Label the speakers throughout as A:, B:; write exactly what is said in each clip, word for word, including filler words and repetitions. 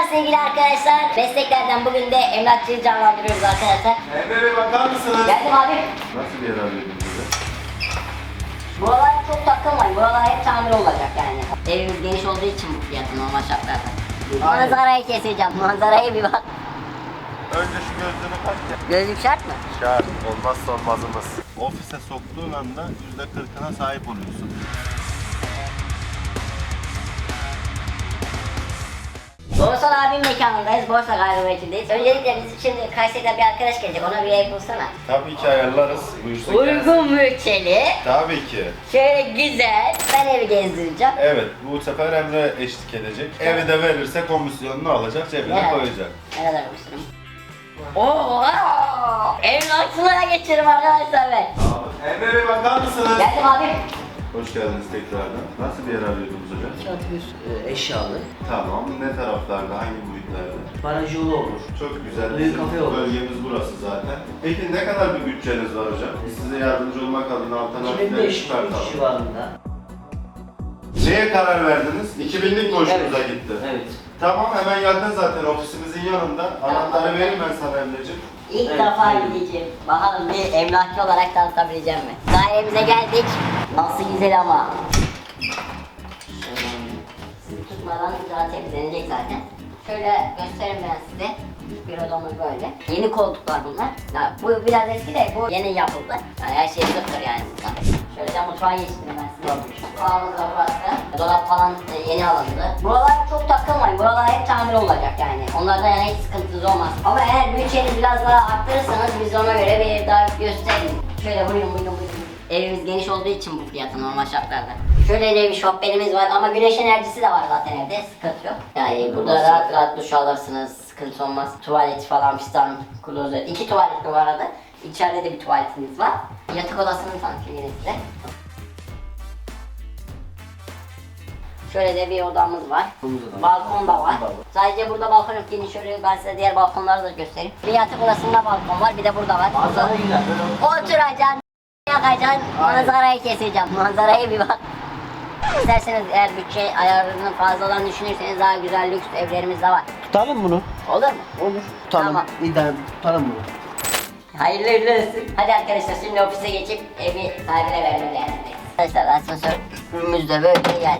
A: sevgili arkadaşlar. Mesleklerden bugün de emlakçıyı canlandırıyoruz arkadaşlar.
B: Emre bakar mısınız?
A: Geldim abi.
B: Nasıl bir yer arıyordunuz bize?
A: Buralar çok takılmayın. Buralar hep tamir olacak yani. Evimiz geniş olduğu için bu fiyatı normal şartlarda. Manzarayı keseceğim. Manzaraya bir bak.
B: Önce şu gözlüğünü tak ya.
A: Gözlük şart mı?
B: Şart. Olmazsa olmazımız. Ofise soktuğun anda yüzde kırkına sahip oluyorsun.
A: Borsal abim mekanındayız. Borsa gayrimenkuldeyiz. Öncelikle biz şimdi Kayseri'den bir arkadaş gelecek. Ona bir ev bulsana.
B: Tabii ki ayarlarız. Buyursun gelsin.
A: Uygun bütçeli.
B: Tabii ki.
A: Şöyle güzel. Ben evi gezdireceğim.
B: Evet, bu sefer Emre eşlik edecek. Evi de verirse komisyonunu alacak, cebine
A: Evet.
B: koyacak.
A: Ne kadar olmuşsun? Oha! Emlakçılığa geçiyorum arkadaşlar ben.
B: Emre Bey bakar mısınız?
A: Geldim abi.
B: Hoş geldiniz tekrardan. Nasıl bir yer arıyordunuz hocam?
C: Çatı bir e, eşyalı.
B: Tamam, ne taraflarda, hangi boyutlarda?
C: Baraj yolu olur.
B: Çok güzel.
C: Büyük
B: Bizim
C: kafe olur.
B: bölgemiz burası zaten. Peki ne kadar bir bütçeniz var hocam? Biz size yardımcı olmak adına
C: iki bin
B: alternatifleri
C: beş yüz
B: çıkartalım.
C: civarında.
B: Neye karar verdiniz? iki binlik mi hoşunuza
C: Evet.
B: gitti?
C: Evet.
B: Tamam, hemen yakın zaten ofisimizin yanında. Anahtarı vereyim ben sana Emre'ciğim.
A: İlk
C: Evet,
A: defa
C: evet.
A: gideceğim. Bakalım bir emlakçı olarak tanıtabileceğim mi? Dairemize geldik. Nasıl güzel ama. Sizi tutmadan daha temizlenecek zaten. Şöyle göstereyim ben size. Bir odamız böyle. Yeni koltuklar bunlar. Ya, bu biraz eski de bu yeni yapıldı. Yani her şey sıfır yani burada. Şöyle de mutfağa geçtim ben size. Mutfağımız da burası. Dolap falan e, yeni alındı. Buralar çok takılmayın. Buralar hep tamir olacak yani. Onlarda yani hiç sıkıntınız olmaz. Ama eğer bütçenizi biraz daha arttırırsanız biz ona göre bir ev daha gösterelim. Şöyle buyurun buyurun buyurun. Evimiz geniş olduğu için bu fiyatı normal şartlarda. Şöyle de bir şofbenimiz var ama güneş enerjisi de var zaten evde, sıkıntı yok. Yani burada rahat rahat duş alırsınız, sıkıntı olmaz. Tuvalet falan fistan, klozet. İki tuvalet bu arada. İçeride de bir tuvaletimiz var. Yatak odasını tanıtayım yine size. Şöyle de bir odamız var. Balkon da var. Sadece burada balkon yok. Yine şöyle ben size diğer balkonları da göstereyim. Bir yatak odasında balkon var, bir de burada var.
C: Manzara güzel. Böyle
A: Oturacaksın, yakacaksın, manzarayı keseceğim. Manzaraya bir bak. İsterseniz eğer bütçe ayarını fazladan düşünürseniz daha güzel lüks evlerimiz de var.
C: tutalım bunu.
A: Olur mu?
C: Olur. Tutalım.
A: Tamam.
C: İdare tutalım bunu.
A: Hayırlı uğurlu olsun. Hadi arkadaşlar şimdi ofise geçip evi sahibine vermeye geldik. Arkadaşlar asansörümüz de böyle yani.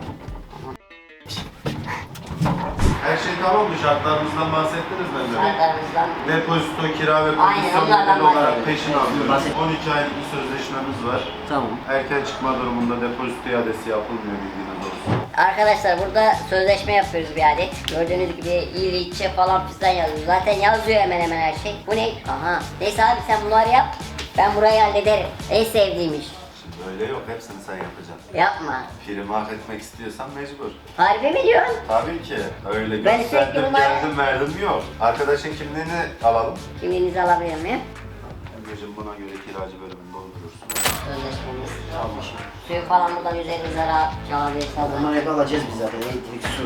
B: Her şey tamam mı? Şartlarımızdan bahsettiniz mi Emre Bey?
A: Şartlarımızdan
B: Depozito, kira ve
A: Aynen,
B: komisyon
A: onlardan
B: bedeli olarak
A: bahsedelim.
B: peşin alıyoruz.
C: Bahset-
B: on iki aylık bir sözleşmemiz var.
C: Tamam.
B: Erken çıkma durumunda depozito iadesi yapılmıyor, bilginiz olsun.
A: Arkadaşlar burada sözleşme yapıyoruz bir adet. Gördüğünüz gibi İliç'e falan fistan yazıyor. Zaten yazıyor hemen hemen her şey. Bu ne? Aha. Neyse abi sen bunları yap. Ben burayı hallederim. En sevdiğim iş.
B: Şimdi öyle yok, hepsini sen yapacaksın.
A: Yapma.
B: Prim hak etmek istiyorsan mecbur.
A: Harbi mi diyorsun?
B: Tabii ki. Öyle
A: Ben
B: gösterdim,
A: sürekli bunlar-
B: geldim verdim yok. Arkadaşın kimliğini alalım.
A: Kimliğinizi alabilir miyim?
B: Emre'cim buna göre kiracı bölümünü doldurursun.
A: Sözleşmemiz.
C: Tamam.
A: Suyu falan buradan üzerinize rahat çalabilirsiniz.
C: Bunları hep alacağız biz zaten. Elektrik, su.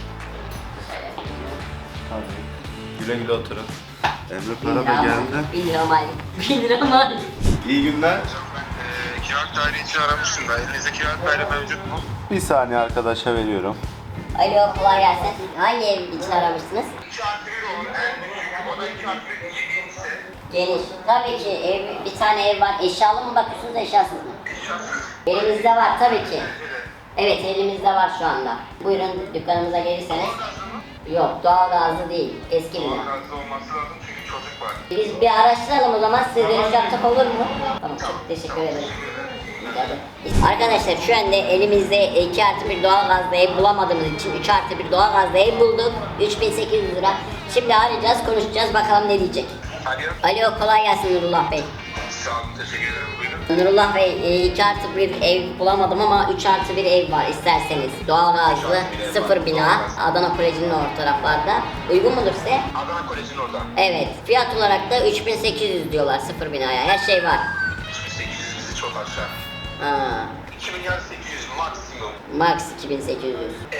C: Tabii.
B: Güle güle oturun. Emre
A: Bin
B: para da
A: lira
B: geldi.
A: mal. Bin lira mal. Bin lira mal.
B: İyi günler.
D: Eee kiralık daire için aramıştım da elinizde kiralık daire mevcut mu?
B: Bir saniye arkadaşa veriyorum.
A: Alo kolay gelsin. Hangi ev için aramışsınız?
D: iki artı bir olur en büyük. O da iki artı bir genişse.
A: Geniş. Tabii ki ev, bir tane ev var. Eşyalı mı bakıyorsunuz eşyasız mı?
D: Eşyasız.
A: Elimizde var tabii ki. Evet elimizde var şu anda. Buyurun dükkanımıza gelirseniz. Yok doğal gazlı değil. Eski bina.
D: Gazlı olması lazım çünkü çocuk var.
A: Biz bir araştıralım o zaman size dönüş yapsak olur mu? Tamam çok teşekkür ederim. Arkadaşlar şu anda elimizde iki artı bir doğal gazlı ev bulamadığımız için üç artı bir doğal gazlı ev bulduk. üç bin sekiz yüz lira. Şimdi arayacağız konuşacağız bakalım ne diyecek.
D: Alo.
A: Alo kolay gelsin Nurullah Bey.
D: Sağ olun teşekkür ederim. Buyurun.
A: Nurullah Bey iki artı bir ev bulamadım ama üç artı bir ev var isterseniz. Doğal gazlı sıfır bina Adana Koleji'nin o taraflarda. Uygun mudur size?
D: Adana Koleji'nin orada.
A: Evet fiyat olarak da üç bin sekiz yüz diyorlar sıfır binaya her şey var.
D: üç bin sekiz yüz bizi çok aşağı.
A: Aa,
D: iki milyar sekiz yüz maksimum.
A: max iki bin sekiz yüz.
D: Evet.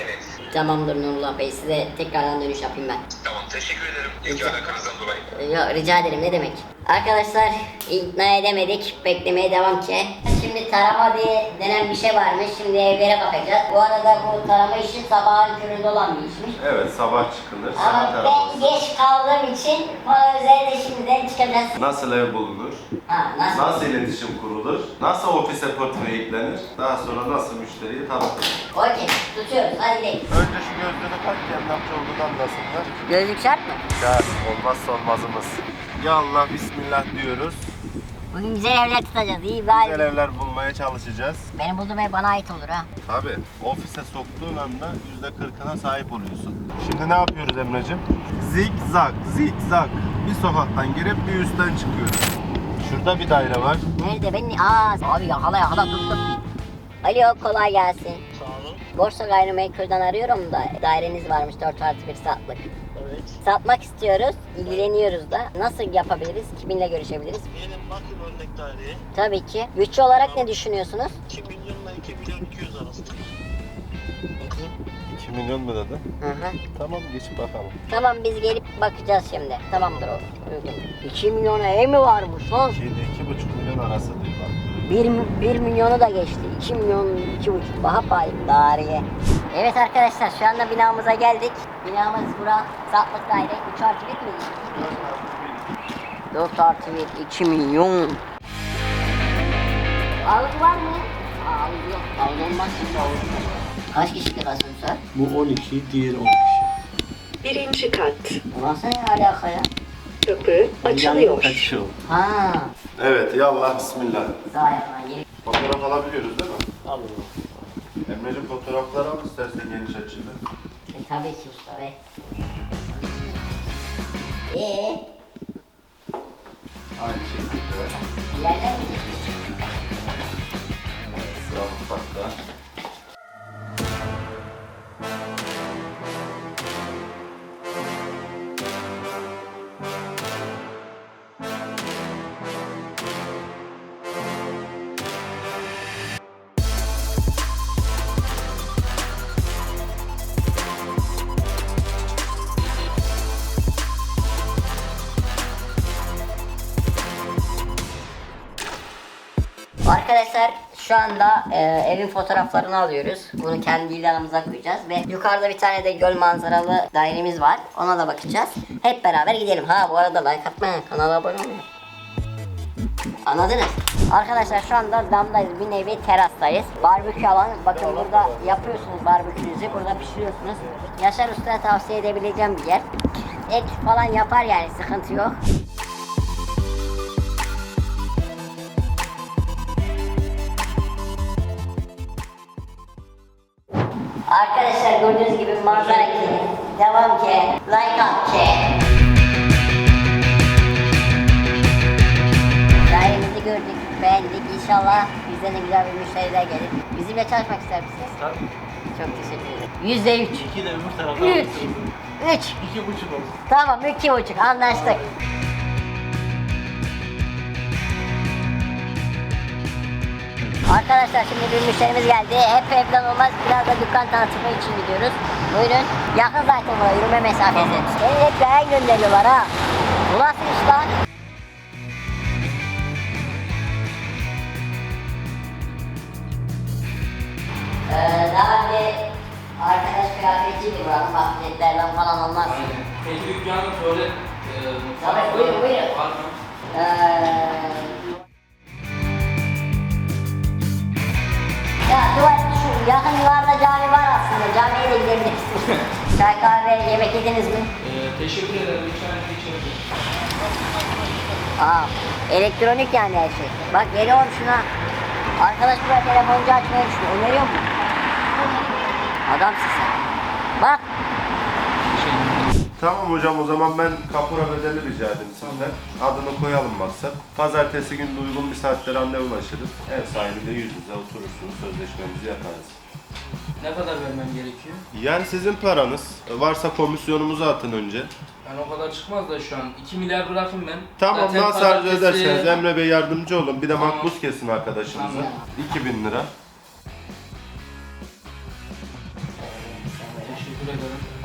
A: Tamamdır Nurullah Bey, size tekrardan dönüş yapayım ben.
D: Tamam, teşekkür ederim. İlgi alakanızdan dolayı.
A: Yok, rica ederim, ne demek. Arkadaşlar ikna edemedik, beklemeye devam ki. Şimdi tarama diye denen bir şey varmış, şimdi evlere bakacağız. Bu arada bu tarama işi sabahın köründe olan bir işmiş.
B: Evet, sabah çıkılır.
A: Ama
B: Saat
A: ben
B: araması.
A: geç kaldığım için bana üzerinde şimdiden çıkacağız.
B: Nasıl ev bulunur?
A: Ha, nasıl?
B: Nasıl iletişim kurulur? Nasıl ofise portföy eklenir? Daha sonra nasıl müşteriyi tanıtılır?
A: Okey, tutuyoruz, hadi gidelim.
B: Önce şu gözlüğünü tak ki emlakçı olduğunu anlasınlar.
A: Gözlük şart mı?
B: Şart, olmazsa olmazımız. Ya Allah, Bismillah diyoruz.
A: Bugün güzel evler tutacağız, iyi bari.
B: Güzel evler bulmaya çalışacağız.
A: Benim bulduğum ev bana ait olur ha.
B: Tabii, ofise soktuğun anda yüzde kırkına sahip oluyorsun. Şimdi ne yapıyoruz Emre'cim? Zigzag, zigzag. Bir sokaktan girip bir üstten çıkıyoruz. Şurada bir daire var.
A: Nerede ben? Aa, abi yakala yakala tuttum. Alo, kolay gelsin.
E: Sağ olun.
A: Borsa Gayrimenkul'den arıyorum da daireniz varmış dört artı bir satlık.
E: Evet.
A: Satmak istiyoruz, ilgileniyoruz da. Nasıl yapabiliriz? Kiminle görüşebiliriz?
E: Benim bakım örnek daireye
A: Tabii ki. Bütçe olarak ne düşünüyorsunuz?
E: iki milyonla iki milyon iki yüz arası.
B: iki milyon mu dedin?
A: Hı hı.
B: Tamam, geçip bakalım.
A: Tamam, biz gelip bakacağız şimdi. Tamamdır o. Uygun. iki milyona ev mi varmış lan?
B: iki ile iki buçuk milyon arası diyor bak.
A: bir, bir milyonu da geçti. iki milyon, iki buçuk. Daha pahalı daireye. Evet arkadaşlar, şu anda binamıza geldik. Binamız bura. Satlık daire. üç artı bir mi? dört artı bir. iki milyon. Ağlık var mı? Ağlık yok. Ağlık olmaz. Kaç kişilik asansör?
C: Bu on iki, diğeri on iki.
F: Birinci kat.
A: Burası ne alaka ya?
F: Kapı açılıyor.
C: Kaçıyor.
A: Ha.
B: Evet, ya Allah, Bismillah.
A: Sağ yapma. Geri.
B: Fotoğraf alabiliyoruz değil mi?
C: Alın.
B: Emre'cim fotoğrafları al istersen geniş açılı.
A: E, tabii ki usta be. Eee?
B: Aynı şekilde.
A: Yerden mi geçiyorsun?
B: Sıra mutfakta.
A: Arkadaşlar şu anda e, evin fotoğraflarını alıyoruz. Bunu kendi ilanımıza koyacağız ve yukarıda bir tane de göl manzaralı dairemiz var. Ona da bakacağız. Hep beraber gidelim. Ha bu arada like atmayın, kanala abone olun. Anladınız? Arkadaşlar şu anda damdayız, bir nevi terastayız. Barbekü alanı, bakın burada yapıyorsunuz barbekünüzü, burada pişiriyorsunuz. Yaşar Usta'ya tavsiye edebileceğim bir yer. Et falan yapar yani, sıkıntı yok. Arkadaşlar gördüğünüz gibi manzara ki, devam ki, like at ki. Dairemizi gördük, beğendik. İnşallah bizden de güzel bir müşteriler gelir. Bizimle çalışmak ister misiniz?
C: Tabii.
A: Çok teşekkür ederim. Yüzde üç.
C: İki de öbür tarafa
A: Üç.
C: alın.
A: Üç.
C: İki buçuk olsun.
A: Tamam, iki buçuk. Anlaştık. Arkadaşlar şimdi bir müşterimiz geldi. Hep evden olmaz. Biraz da dükkan tanıtımı için gidiyoruz. Buyurun. Yakın zaten buraya, yürüme mesafesi. Beni hep yaya gönderiyorlar ha. Bu nasıl iş lan? Ee, daha önce arkadaş kıyafetçiydi buranın. Bahsetlerden falan olmaz.
G: Peki dükkanı böyle e,
A: Tabii, buyurun, buyurun.
G: var mı?
A: Ee, Ya tuvalet şu yakın yıllarda cami var aslında. Camiye de gidebiliriz. Çay kahve yemek yediniz mi?
G: E, teşekkür ederim. Lütfen geçelim.
A: Aa, elektronik yani her şey. Bak geliyorum şuna. Arkadaş buraya telefoncu açmayı düşünüyor. Öneriyor mu? Adamsın sen. Bak.
B: Tamam hocam, o zaman ben kapora bedeli rica edeyim sizden. Adını koyalım maksat. Pazartesi günü uygun bir saatte randevulaşırız. Ev sahibiyle yüz yüze oturursunuz, sözleşmemizi yaparız.
G: Ne kadar vermem gerekiyor?
B: Yani sizin paranız. Varsa komisyonumuzu atın önce.
G: Yani o kadar çıkmaz da şu an. iki milyar bırakın ben.
B: Tamam,
G: Zaten
B: nasıl arzu
G: pazartesi-
B: ederseniz Emre Bey yardımcı olun. Bir de
G: Tamam.
B: makbuz kesin arkadaşımıza.
G: Tamam.
B: iki bin lira.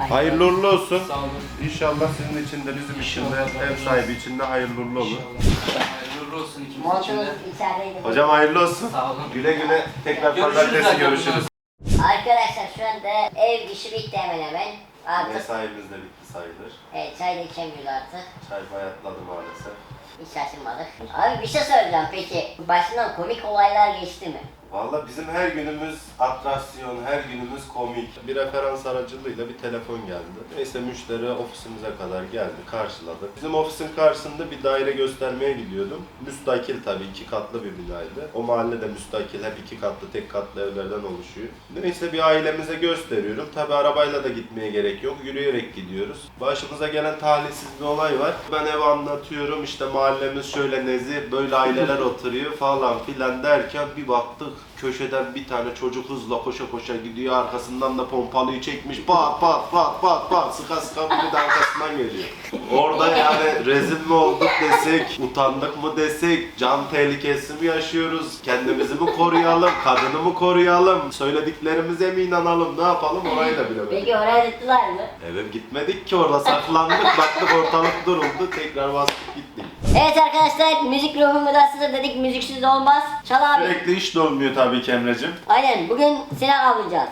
B: Hayırlı uğurlu olsun.
G: Sağ olun.
B: İnşallah sizin için de bizim için de
G: İnşallah.
B: ev sahibi için de hayırlı uğurlu olur.
G: İnşallah. Hayırlı olsun ikimiz için
A: Montunuz
G: de.
A: içerideydi.
B: Hocam hayırlı olsun.
G: Sağ olun.
B: Güle güle tekrar
G: Görüşürüz
B: pazartesi
G: zaten
B: görüşürüz.
A: Arkadaşlar şu anda ev işi bitti hemen hemen. Artık
B: Mesaimiz de bitti sayılır.
A: evet, çay da içemiyoruz artık.
B: Çay bayatladı maalesef.
A: Hiç şaşırmadık. Abi bir şey söyleyeceğim peki. Başından komik olaylar geçti mi?
B: Valla bizim her günümüz atraksiyon, her günümüz komik. Bir referans aracılığıyla bir telefon geldi. Neyse müşteri ofisimize kadar geldi, karşıladı. Bizim ofisin karşısında bir daire göstermeye gidiyordum. Müstakil tabii, iki katlı bir binaydı. O mahallede müstakil, hep iki katlı, tek katlı evlerden oluşuyor. Neyse bir ailemize gösteriyorum. Tabii arabayla da gitmeye gerek yok, yürüyerek gidiyoruz. Başımıza gelen talihsiz bir olay var. Ben ev anlatıyorum, işte mahallemiz şöyle nezih, böyle aileler oturuyor falan filan derken bir baktık. Köşeden bir tane çocuk hızla koşa koşa gidiyor, arkasından da pompalıyı çekmiş, pat pat pat pat pat sıka sıka bir de arkasından geliyor. Orada yani rezil mi olduk desek, utandık mı desek, can tehlikesi mi yaşıyoruz, kendimizi mi koruyalım, kadını mı koruyalım, söylediklerimize mi inanalım, ne yapalım orayı da bilemedik.
A: Peki oraya gittiler mi?
B: Eve gitmedik ki, orada saklandık, baktık ortalık duruldu, tekrar bastık gittik.
A: Evet arkadaşlar, müzik ruhumu da size dedik, müziksiz olmaz. Çal abi.
B: Sürekli iş de olmuyor tabii ki Emre'cim.
A: Aynen, bugün silah alacağız.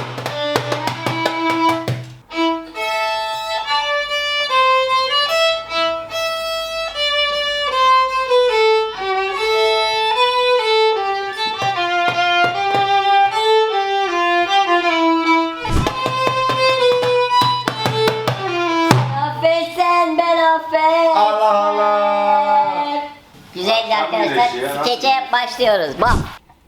A: Affet sen, ben affet.
B: Allah Allah.
A: Güzeldi
B: Nasıl
A: arkadaşlar.
B: bir şey ya?
A: Skeçe başlıyoruz. Bak.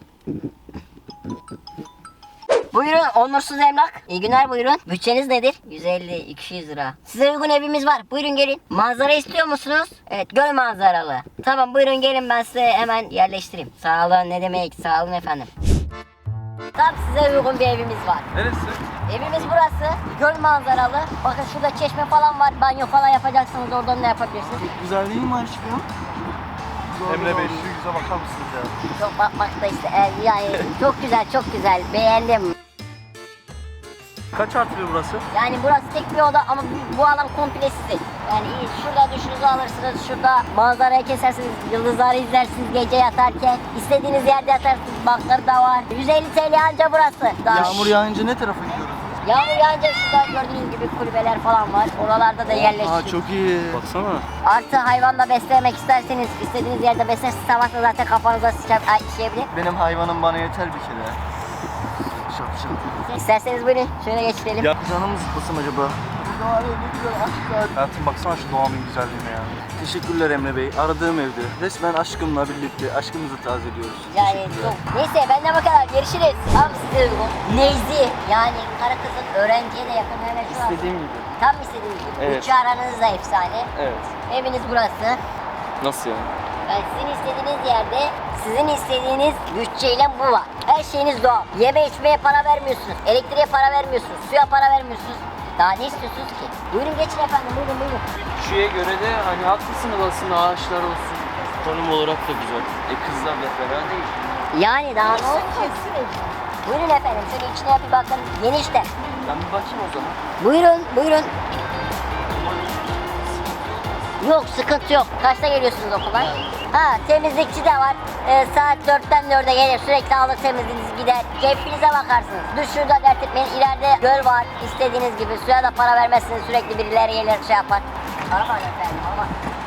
A: Buyurun onursuz emlak. İyi günler buyurun. Bütçeniz nedir? yüz elli iki yüz lira. Size uygun evimiz var. Buyurun gelin. Manzara istiyor musunuz? Evet, göl manzaralı. Tamam buyurun gelin, ben size hemen yerleştireyim. Sağ olun, ne demek? Sağ olun efendim. Tam size uygun bir evimiz var.
C: Neresi?
A: Evimiz burası. Göl manzaralı. Bakın şurada çeşme falan var. Banyo falan yapacaksınız. Oradan da yapabilirsiniz.
E: Güzelliği mi aşkım?
B: Emre Bey şu yüze bakar mısınız ya?
A: Çok bakmakta işte. e, Yani çok güzel, çok güzel. Beğendim.
E: Kaç artıyor burası?
A: Yani burası tek bir oda ama bu, bu alan komple sizin. Yani iyi, şurada duşunuzu alırsınız, şurada manzarayı kesersiniz, yıldızları izlersiniz gece yatarken. İstediğiniz yerde yatarsınız, bankları da var. yüz elli T L anca burası. Daha
E: Yağmur yağınca ne tarafa gidiyoruz?
A: Yağmur yağınca şurada gördüğünüz gibi kulübeler falan var. Oralarda da
E: Aa
A: yerleştik.
E: çok iyi. Baksana.
A: Artı hayvanla beslemek isterseniz istediğiniz yerde beslersiniz. Sabah da zaten kafanıza sıçar, ay, işeyebilir.
E: Benim hayvanım bana yeter bir kere. Şap şap.
A: İsterseniz buyurun şöyle geçirelim.
E: Ya canım zıplasın acaba? Burada var ya ne güzel aşk. Hayatım baksana şu doğanın güzelliğine ya. Teşekkürler Emre Bey. Aradığım evde. Resmen aşkımla birlikte aşkımızı tazeliyoruz.
A: Yani
E: Teşekkürler.
A: çok. Neyse benden bu kadar. Görüşürüz. Tam size uygun. Nezih. Yani karı kızın öğrenciye de yakın hemen şu an.
E: İstediğim gibi.
A: Tam istediğiniz gibi.
E: Evet.
A: Bütçe aranız da efsane.
E: Evet.
A: Eviniz burası.
E: Nasıl yani?
A: Yani sizin istediğiniz yerde sizin istediğiniz bütçeyle bu var. Her şeyiniz doğal. Yeme içmeye para vermiyorsunuz. Elektriğe para vermiyorsunuz. Suya para vermiyorsunuz. Daha ne istiyorsunuz ki? Buyurun geçin efendim. Buyurun buyurun.
H: Bütçeye göre de hani haklısınız aslında, ağaçlar olsun. Konum olarak da güzel. E kızlarla fena değil.
A: Yani daha ne olsun? Buyurun efendim. Şöyle içine bir bakın. Geniş de.
H: Ben bir bakayım o zaman.
A: Buyurun, buyurun. Yok, sıkıntı yok. Kaçta geliyorsunuz okula? Ha, temizlikçi de var. Ee, saat dörtten dörde gelir. Sürekli alır temizliğiniz gider. Keyfinize bakarsınız. Duşu da dert etmeyin. İleride göl var. İstediğiniz gibi. Suya da para vermezsiniz. Sürekli birileri gelir şey yapar. Aman efendim, aman.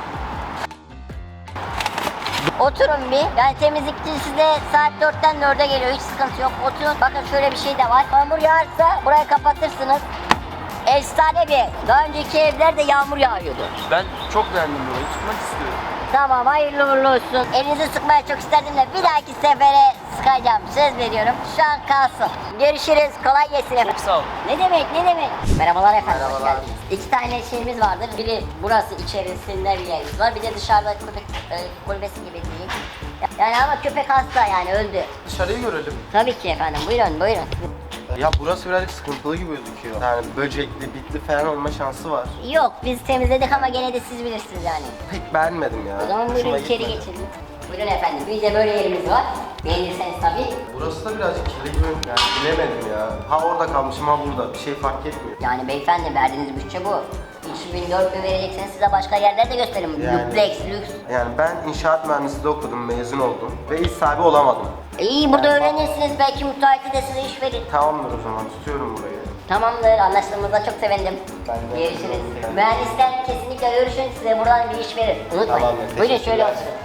A: Oturun bir. Yani temizlikçi size saat dörtten dörde geliyor. Hiç sıkıntı yok. Oturun. Bakın şöyle bir şey de var. Yağmur yağarsa burayı kapatırsınız. Efsane bir ev. Daha önceki evlerde yağmur yağıyordu.
H: Ben çok beğendim burayı. Tutmak istiyorum.
A: Tamam, hayırlı uğurlu olsun. Elinizi sıkmaya çok isterdim de bir dahaki sefere sıkacağım. Söz veriyorum. Şu an kalsın. Görüşürüz. Kolay gelsin efendim.
H: Çok sağ ol.
A: Ne demek, ne demek? Merhabalar efendim. hoş
E: Merhabalar.
A: geldiniz. İki tane şeyimiz vardır. Biri burası içerisinde bir yerimiz var. Bir de dışarıda köpek e, kulübesi gibi diyeyim. Yani ama köpek hasta yani öldü.
E: Dışarıyı görelim.
A: Tabii ki efendim. Buyurun, buyurun.
I: Ya burası birazcık sıkıntılı gibi gözüküyor. Yani böcekli, bitli falan olma şansı var.
A: Yok, biz temizledik ama gene de siz bilirsiniz yani.
I: Pek beğenmedim ya.
A: O zaman buyurun
I: Hoşuma
A: içeri
I: gitmedi.
A: geçelim. Buyurun efendim. Bir de böyle yerimiz var. Beğenirseniz tabii.
I: Burası da birazcık kirli gibi. Yani bilemedim ya. Ha orada kalmışım ha burada. Bir şey fark etmiyor.
A: Yani beyefendi verdiğiniz bütçe bu. üç bin dört bin vereceksiniz, size başka yerler de gösteririm.
I: Yani-
A: Duplex, lüks.
I: Yani ben inşaat mühendisliği okudum, mezun oldum. Ve iş sahibi olamadım.
A: İyi burada öğrenirsiniz, belki müteahhiti de size iş verir.
I: Tamamdır o zaman. Tutuyorum burayı.
A: Tamamdır, anlaştığımıza çok sevindim.
I: Ben de.
A: Görüşürüz. Mühendisler kesinlikle görüşün, size buradan bir iş verir. Unutmayın.
I: Tamamdır,
A: Buyurun şöyle
I: teşekkürler.
A: oturun.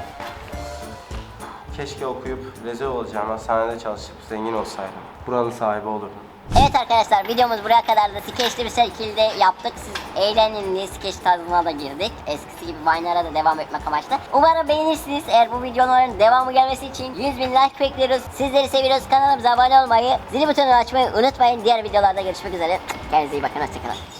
I: Keşke okuyup rezil olacağım hastanede çalışıp zengin olsaydım. Buranın sahibi olurdum.
A: Evet arkadaşlar, videomuz buraya kadar da skeçli bir şekilde yaptık. Siz eğlenin diye skeç tarzına da girdik. Eskisi gibi Vine'lara da devam etmek amaçlı. Umarım beğenirsiniz. Eğer bu videoların devamı gelmesi için yüz bin like bekliyoruz. Sizleri seviyoruz. Kanalımıza abone olmayı, zil butonunu açmayı unutmayın. Diğer videolarda görüşmek üzere. Kendinize iyi bakın. Hoşçakalın.